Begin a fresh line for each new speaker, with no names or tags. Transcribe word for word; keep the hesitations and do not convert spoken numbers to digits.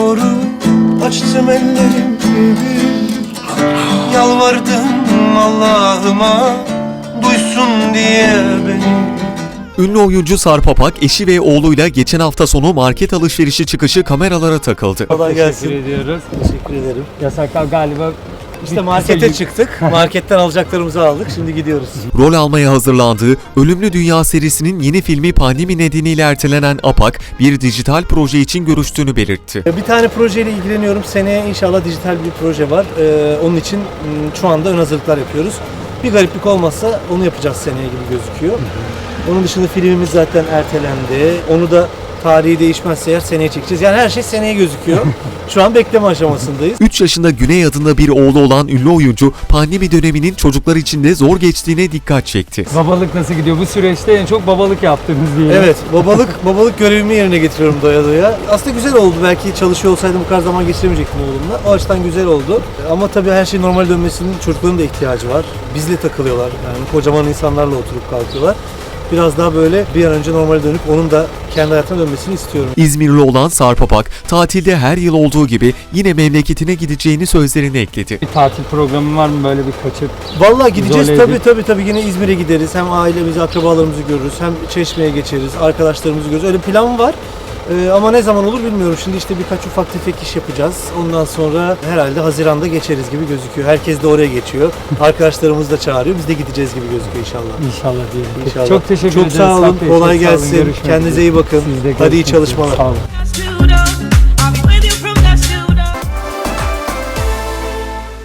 doğru açtım ellerimi, yalvardım Allah'ıma duysun diye beni.
Ünlü oyuncu Sarp Apak, eşi ve oğluyla geçen hafta sonu market alışverişi çıkışı kameralara takıldı.
Kolay gelsin.
Teşekkür ediyoruz.
Teşekkür ederim.
Yasaklar galiba
İşte markete çıktık. Marketten alacaklarımızı aldık. Şimdi gidiyoruz.
Rol almaya hazırlandığı Ölümlü Dünya serisinin yeni filmi pandemi nedeniyle ertelenen Apak, bir dijital proje için görüştüğünü belirtti.
Bir tane projeyle ilgileniyorum. Seneye inşallah dijital bir proje var. Ee, onun için şu anda ön hazırlıklar yapıyoruz. Bir gariplik olmazsa onu yapacağız seneye gibi gözüküyor. Onun dışında filmimiz zaten ertelendi. Onu da tarihi değişmezse eğer seneye çekeceğiz. Yani her şey seneye gözüküyor. Şu an bekleme aşamasındayız.
üç yaşında Güney adında bir oğlu olan ünlü oyuncu, pandemi döneminin çocuklar için de zor geçtiğine dikkat çekti.
Babalık nasıl gidiyor? Bu süreçte en çok babalık yaptınız diye.
Evet, babalık babalık görevimi yerine getiriyorum doya doya. Aslında güzel oldu. Belki çalışıyor olsaydım bu kadar zaman geçiremeyecektim oğlumla. O açıdan güzel oldu. Ama tabii her şey normal dönmesinin çocukların da ihtiyacı var. Bizle takılıyorlar. Yani kocaman insanlarla oturup kalkıyorlar. Biraz daha böyle bir an önce normale dönüp onun da kendi hayatına dönmesini istiyorum.
İzmirli olan Sarp Apak, tatilde her yıl olduğu gibi yine memleketine gideceğini sözlerine ekledi.
Bir tatil programı var mı böyle bir kaçıp?
Vallahi gideceğiz
İzole
tabii
edip-
tabii tabii yine İzmir'e gideriz. Hem ailemizi, akrabalarımızı görürüz, hem Çeşme'ye geçeriz, arkadaşlarımızı görürüz. Öyle plan var. Ee, ama ne zaman olur bilmiyorum. Şimdi işte birkaç ufak tefek iş yapacağız. Ondan sonra herhalde Haziran'da geçeriz gibi gözüküyor. Herkes de oraya geçiyor. Arkadaşlarımız da çağırıyor. Biz de gideceğiz gibi gözüküyor inşallah.
İnşallah diyelim.
İnşallah.
Çok teşekkür
Çok
ederiz.
sağ olun.
Sarp Bey,
Kolay
çok sağ olun.
gelsin.
Görüşmek
Kendinize
üzere.
iyi bakın.
Siz de
Hadi iyi
görüşmek üzere.
çalışmalar.
Sağ olun.